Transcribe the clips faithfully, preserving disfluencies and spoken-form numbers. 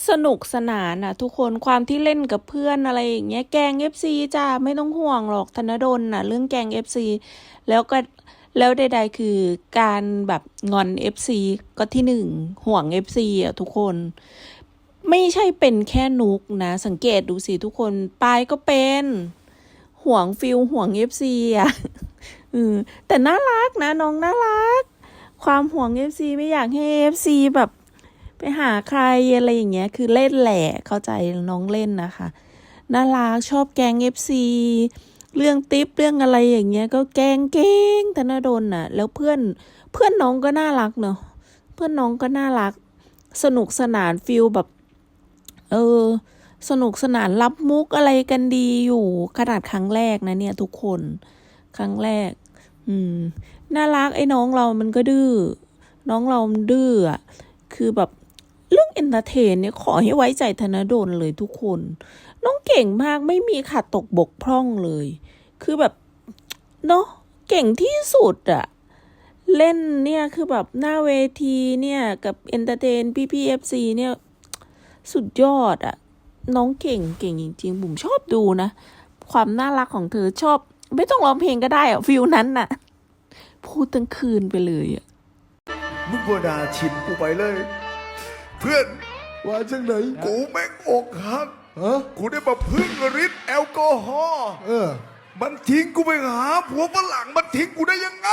สนุกสนานอ่ะทุกคนความที่เล่นกับเพื่อนอะไรอย่างเงี้ยแกล้งเอฟซีจ้าไม่ต้องห่วงหรอกธนดลน่ะเรื่องแกล้งเอฟซีแล้วก็แล้วใดๆคือการแบบงอนเอฟซีก็ที่หนึ่งห่วงเอฟซีอ่ะทุกคนไม่ใช่เป็นแค่นุกนะสังเกตดูสิทุกคนปายก็เป็นห่วงฟิลห่วงเอฟซีอ่ะอืมแต่น่ารักนะน้องน่ารักความห่วงเอฟซีไม่อยากให้เอฟซีแบบไปหาใครอะไรอย่างเงี้ยคือเล่นแหละเข้าใจน้องเล่นนะคะน่ารักชอบแกล้งเอฟซีเรื่องติ๊บเรื่องอะไรอย่างเงี้ยก็แกล้งเก่งธนดลน่ะแล้วเพื่อนเพื่อนน้องก็น่ารักเนาะเพื่อนน้องก็น่ารักสนุกสนานฟิลแบบเออสนุกสนานรับมุกอะไรกันดีอยู่ขนาดครั้งแรกนะเนี่ยทุกคนครั้งแรกอืมน่ารักไอ้น้องเรามันก็ดื้อน้องเรามันดื้ออ่ะคือแบบเรื่องเอนเตอร์เทนเนี่ยขอให้ไว้ใจธนดลเลยทุกคนน้องเก่งมากไม่มีขาดตกบกพร่องเลยคือแบบเนาะเก่งที่สุดอะเล่นเนี่ยคือแบบหน้าเวทีเนี่ยกับเอนเตอร์เทนพี่พีเอฟซีเนี่ยสุดยอดอะน้องเก่งเก่งจริงๆบุ๋มชอบดูนะความน่ารักของเธอชอบไม่ต้องร้องเพลงก็ได้อะฟิลนั้นน่ะพูดตั้งคืนไปเลยอะมึงบ่ด่าชินกูไปเลย เพื่อนว่าจังไหนกูแม่งอกหักเออกูได้มาพึ่งฤทธิ์แอลกอฮอล์เออมันทิ้งกูไปหาผัวฝรั่งมันทิ้งกูได้ยังไง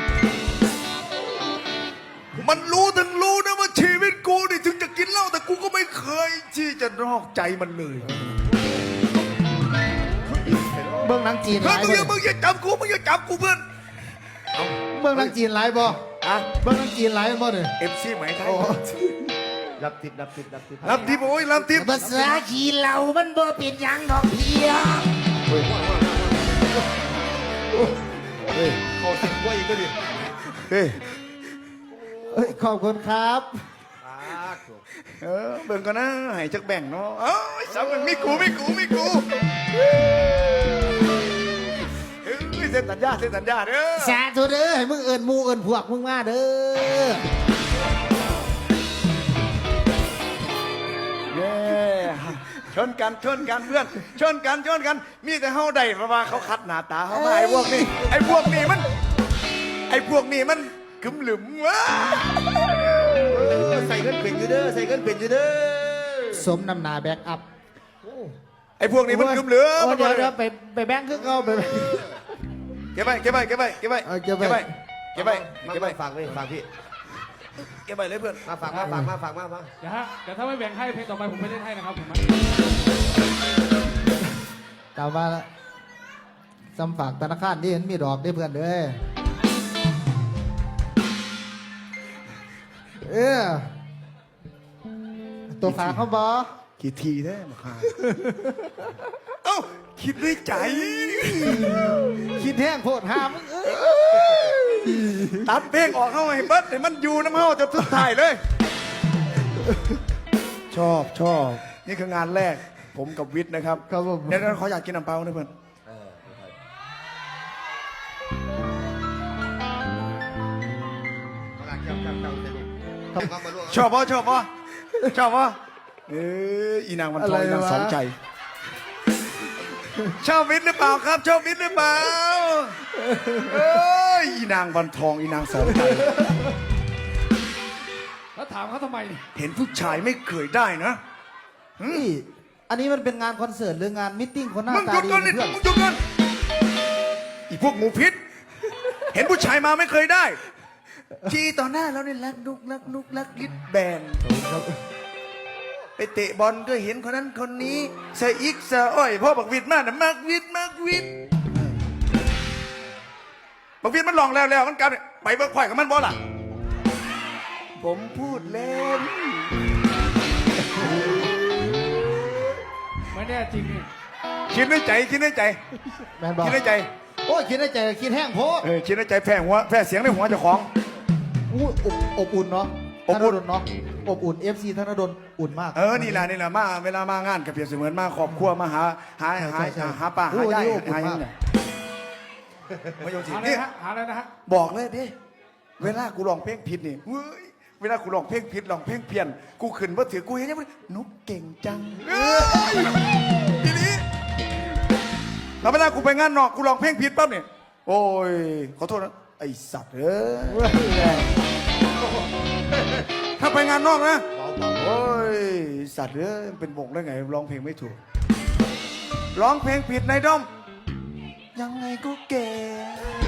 มันรู้ทั้งรู้นะว่าชีวิตกูนี่ถึงจะกินเหล้าแต่กูก็ไม่เคยที่จะนอกใจมันเลยเบื้องหนังจีนเฮ้ไลยฟ์มึงอย่าบ่มึงอย่าจับกูมึงอย่าจับกูเพื่อนเบื้องหนังจีนไลฟ์บ่อะเบื้องหนังจีนไลฟ์บ่เนี่ยเอฟซีไหมไทยรับทิปรับทิปรับทิปรับทิปโอ้ยรับทิปภาษาขี้เหล่ามันบ่เป็นหยังดอกเพียงเฮ้ยเขาติดกล้วยอีกก็ดิเฮ้ยเอ้ยขอบคุณครับเออเบิ่งก่อนนะให้จักแบ่งเนาะเอ้ยสาวมันมีกูมีกูมีกูเฮ้ยเซ็นสัญญาเซ็นสัญญาเด้อสาธุเด้อให้มึงเอิญมูเอิญพวกมึงมาเด้อเย้ชนกันชนกันเพื่อนชนกันชนกันมีแต่เฮาได้เพราะว่าเขาคัดหน้าตาเขามาไอ้พวกนี้ไอ้พวกนี้มันไอ้พวกนี้มันกึมหลึมวะใส่เงินเป็นอยู่เด้อใส่เงินเป็นอยู่เด้อสมนำหนาแบ็กอัพไอ้พวกนี้มันกึมเหลือโอ้เดี๋ยวเดี๋ยวไปไปแบงค์คือเขาไปเก็บไปเก็บไปเก็บไปเก็บไปเอาเก็บไว้เก็บไปมาเก็บไปฝากไว้ฝากพี่เก็บไปเลยเพื่อนมาฝากมาฝากมาฝากมามาเดี๋ยวฮะเดี๋ยวถ้าไม่แบ่งให้เพลงต่อไปผมไม่เล่นให้นะครับผมกลับมาละสำฝากธนาคารที่เห็นมีดอกได้เพื่อนเด้อเออตัวฝากเขาบอกี่ทีแท้มาคาเอ้าคิดด้วยใจคิดแห้งโพดหามงเอ้ยตัดเพลงออกเข้าให้เบิดให้มันอยู่น้ำเฮาจะทุกถ่ายเลย ชอบชอบนี่คืองานแรกผมกับวิทย์นะครับครับผมเดี๋ยวเขาอยากกินน้ำเปล่านะเพื่อน ชอบปะชอบปะชอบปะเอออีนางมันทองอีนางสองใจ ชอบวิทย์หรือเปล่าครับ ชอบวิทย์หรือเปล่าเอ้ยอีนางวันทองอีนางสองใจแล้วถามเขาทำไมนี่เห็นผู้ชายไม่เคยได้นะนี่อันนี้มันเป็นงานคอนเสิร์ตหรืองานมิทติ้งคนหน้ามึงตาหยุดดีก่อนนี่เพื่อนมึงหยุดก่อนอีพวกหมูพิษ เห็นผู้ชายมาไม่เคยได้ ทีต่อหน้าเราเนี่ยรักนุกรักนุกรักลิดแบนไปเตะบอลก็เห็นคนนั้นคนนี้ใส่อีกใส่อ้อยพ่อบักวิดมากนะมักวิดมักวิดบักวิดมันลองแล้วแล้วมันกลับไปเบิกไข่กับมันบอล่ะผมพูดเล่นไม่แน่จริงนี่คิดในใจคิดในใจแมนบอกคิดในใจโอ้ยคิดในใจคิดแห้งโพดเออคิดในใจแพ้หัวแพ้เสียงในหัวเจ้าของอู้อบอบอุ่นเนาะอบอุ่นธดลเนาะอบอุ่น เอฟ ซี ธนดลอุ่นมากเออนี่แหละนี่แหละมาเวลามางานกับเปรียบเสมือนมาครอบครัวมาหาหาหาใช่ใช่หาป่าโอ้หาย ยายนี่อบอุ่นหายังมากไงมาโยนสิหาอะไรนี่นะฮะหาอะไรนะฮะบอกเลยดิเวลากูร้องเพลงผิดนี่เว้ยเวเวลากูร้องเพลงผิดร้องเพลงเพี้ยน กูขึ้นว่าถือกูเห็นยังไงนุกเก่งจังเอ้ยทีนี้แล้วเวลากูไปงานนอกกูร้องเพลงผิดปั๊บเนี่ยโอ้ยขอโทษนะไอสัตว์เอ้ยถ้าไปงานนอกนะโอ้ยสัตว์เอ้ยเป็นบงได้ไงร้องเพลงไม่ถูกร้องเพลงผิดในด้อมยังไงก็เก่ง